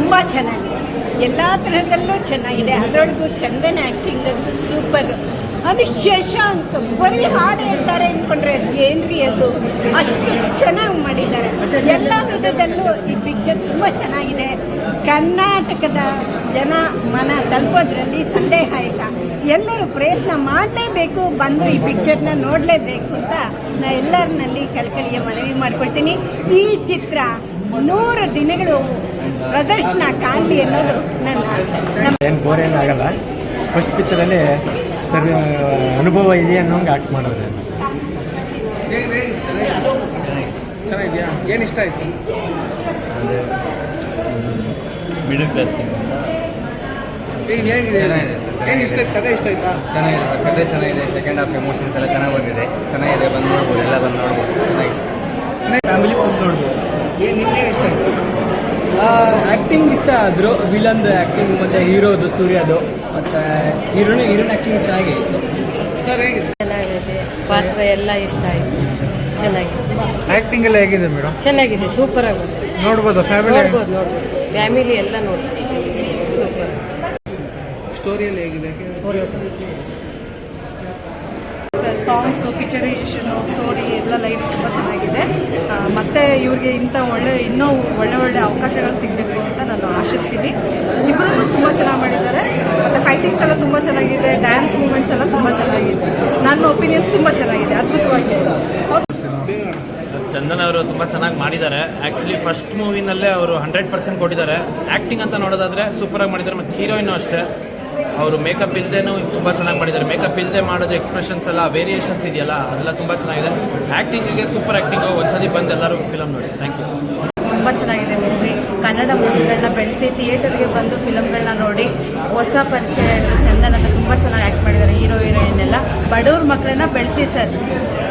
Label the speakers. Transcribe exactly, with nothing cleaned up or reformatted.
Speaker 1: ತುಂಬ ಚೆನ್ನಾಗಿದೆ, ಎಲ್ಲ ತರಹದಲ್ಲೂ ಚೆನ್ನಾಗಿದೆ. ಅದರೊಳಗೂ ಚಂದನ ಆ್ಯಕ್ಟಿಂಗ್ ಅಂತೂ ಸೂಪರ್. ಅದು ಶಶಾಂಕ್ ಬರೀ ಹಾಡು ಹೇಳ್ತಾರೆ ಅಂದ್ಕೊಂಡ್ರೆ ಅದು ಏನ್ರಿ, ಅದು ಅಷ್ಟು ಚೆನ್ನಾಗಿ ಮಾಡಿದ್ದಾರೆ. ಎಲ್ಲ ವಿಧದಲ್ಲೂ ಈ ಪಿಕ್ಚರ್ ತುಂಬ ಚೆನ್ನಾಗಿದೆ. ಕರ್ನಾಟಕದ ಜನ ಮನ ತಲುಪೋದ್ರಲ್ಲಿ ಸಂದೇಹ ಇಲ್ಲ. ಎಲ್ಲರೂ ಪ್ರಯತ್ನ ಮಾಡಲೇಬೇಕು, ಬಂದು ಈ ಪಿಕ್ಚರ್ನ ನೋಡಲೇಬೇಕು ಅಂತ ನಾನು ಎಲ್ಲರನ್ನಲ್ಲಿ ಕಳಕಳಿಯ ಮನವಿ ಮಾಡ್ಕೊಳ್ತೀನಿ. ಈ ಚಿತ್ರ ನೂರು ದಿನಗಳು ಪ್ರದರ್ಶನ ಕಾಣಲಿ ಅನ್ನೋದು ನನ್ನ ಆಸೆ.
Speaker 2: ಏನು ಬೋರ್ ಏನಾಗಲ್ಲ. ಫಸ್ಟ್ ಪಿಕ್ಚರಲ್ಲಿ ಸರಿ ಅನುಭವ ಇದೆ ಅನ್ನೋಂಗೆ ಆ್ಯಕ್ಟ್ ಮಾಡೋದು.
Speaker 3: ಚೆನ್ನಾಗಿದೆಯಾ? ಏನು ಇಷ್ಟ ಆಯಿತು?
Speaker 4: ಮಿಡಲ್ ಕ್ಲಾಸ್
Speaker 3: ಏನು ಹೇಗಿದೆ? ಏನು ಇಷ್ಟ ಆಯ್ತು? ಕಥೆ ಇಷ್ಟ ಆಯ್ತಾ?
Speaker 5: ಚೆನ್ನಾಗಿದೆ ಸರ್, ಕಥೆ ಚೆನ್ನಾಗಿದೆ. ಸೆಕೆಂಡ್ ಹಾಫ್ ಎಮೋಷನ್ಸ್ ಎಲ್ಲ ಚೆನ್ನಾಗಿ ಬಂದಿದೆ. ಚೆನ್ನಾಗಿದೆ, ಬಂದು ನೋಡ್ಬೋದು, ಎಲ್ಲ ಬಂದು ನೋಡ್ಬೋದು. ಚೆನ್ನಾಗಿದೆ,
Speaker 2: ಫ್ಯಾಮಿಲಿ ಫುಲ್ ನೋಡ್ಬೋದು.
Speaker 3: ಏನು ನಿಮ್ಗೆ ಇಷ್ಟ ಆಯಿತು?
Speaker 5: ಆ್ಯಕ್ಟಿಂಗ್ ಇಷ್ಟ ಆದರು. ವಿಲನ್ದು ಆ್ಯಕ್ಟಿಂಗ್ ಮತ್ತು ಹೀರೋದು ಸೂರ್ಯದು ಮತ್ತು ಹೀರೋನ ಹೀರೋನ ಆ್ಯಕ್ಟಿಂಗ್ ಚೆನ್ನಾಗಿತ್ತು.
Speaker 3: ಸರ್ ಹೇಗಿದೆ?
Speaker 6: ಚೆನ್ನಾಗಿದೆ, ಪಾತ್ರ ಎಲ್ಲ ಇಷ್ಟ ಆಯಿತು. ಚೆನ್ನಾಗಿದೆ,
Speaker 2: ಆ್ಯಕ್ಟಿಂಗ್ ಎಲ್ಲ ಹೇಗಿದೆ ಮೇಡಮ್?
Speaker 6: ಚೆನ್ನಾಗಿದೆ, ಸೂಪರ್ ಆಗಿದೆ.
Speaker 2: ನೋಡ್ಬೋದು, ಫ್ಯಾಮಿಲಿ
Speaker 6: ನೋಡ್ಬೋದು ನೋಡ್ಬೋದು ಫ್ಯಾಮಿಲಿ ಎಲ್ಲ ನೋಡ್ಬೋದು. ಸೂಪರ್.
Speaker 3: ಸ್ಟೋರಿಯಲ್ಲಿ ಹೇಗಿದೆ?
Speaker 7: ಸಾಂಗ್ಸು, ಪಿಕ್ಚರೈಸೇಷನು, ಸ್ಟೋರಿ ಎಲ್ಲ ಲೈಫ್ ತುಂಬ ಚೆನ್ನಾಗಿದೆ. ಮತ್ತು ಇವ್ರಿಗೆ ಇಂಥ ಒಳ್ಳೆ ಇನ್ನೂ ಒಳ್ಳೆ ಒಳ್ಳೆ ಅವಕಾಶಗಳು ಸಿಗಬೇಕು ಅಂತ ನಾನು ಆಶಿಸ್ತೀನಿ. ಇಬ್ಬರೂ ತುಂಬ ಚೆನ್ನಾಗಿ ಮಾಡಿದ್ದಾರೆ. ಮತ್ತು ಫೈಟಿಂಗ್ಸ್ ಎಲ್ಲ ತುಂಬ ಚೆನ್ನಾಗಿದೆ, ಡ್ಯಾನ್ಸ್ ಮೂಮೆಂಟ್ಸ್ ಎಲ್ಲ ತುಂಬ ಚೆನ್ನಾಗಿದೆ. ನನ್ನ ಒಪಿನಿಯನ್ ತುಂಬ ಚೆನ್ನಾಗಿದೆ, ಅದ್ಭುತವಾಗಿದೆ.
Speaker 4: ಚಂದನ್ ಅವರು ತುಂಬ ಚೆನ್ನಾಗಿ ಮಾಡಿದ್ದಾರೆ. ಆ್ಯಕ್ಚುಲಿ ಫಸ್ಟ್ ಮೂವಿನಲ್ಲೇ ಅವರು ಹಂಡ್ರೆಡ್ ಪರ್ಸೆಂಟ್ ಕೊಟ್ಟಿದ್ದಾರೆ. ಆ್ಯಕ್ಟಿಂಗ್ ಅಂತ ನೋಡೋದಾದರೆ ಸೂಪರಾಗಿ ಮಾಡಿದ್ದಾರೆ. ಮತ್ತು ಹೀರೋಯಿನ್ನು ಅಷ್ಟೇ, ಅವರು ಮೇಕಪ್ ಇಲ್ಲದೇನೂ ತುಂಬ ಚೆನ್ನಾಗಿ ಮಾಡಿದ್ದಾರೆ. ಮೇಕಪ್ ಇಲ್ಲದೆ ಮಾಡೋದು ಎಕ್ಸ್ಪ್ರೆಷನ್ಸ್ ಎಲ್ಲ ವೇರಿಯೇಷನ್ಸ್ ಇದೆಯಲ್ಲ, ಅದೆಲ್ಲ ತುಂಬ ಚೆನ್ನಾಗಿದೆ. ಆ್ಯಕ್ಟಿಂಗಿಗೆ ಸೂಪರ್ ಆ್ಯಕ್ಟಿಂಗು. ಒಂದ್ಸತಿ ಬಂದು ಎಲ್ಲರೂ ಫಿಲಮ್ ನೋಡಿ. Thank you.
Speaker 7: ತುಂಬ ಚೆನ್ನಾಗಿದೆ ಮೂವಿ. ಕನ್ನಡ ಮೂವಿಗಳನ್ನ ಬೆಳೆಸಿ ಥಿಯೇಟರ್ಗೆ ಬಂದು ಫಿಲಮ್ಗಳನ್ನ ನೋಡಿ ಹೊಸ ಪರಿಚಯ ಚಂದನ ತುಂಬ ಚೆನ್ನಾಗಿ ಆ್ಯಕ್ಟ್ ಮಾಡಿದ್ದಾರೆ. ಹೀರೋ ಹೀರೋಯಿನ್ ಎಲ್ಲ ಬಡವ್ರ ಮಕ್ಕಳನ್ನ ಬೆಳೆಸಿ ಸರ್.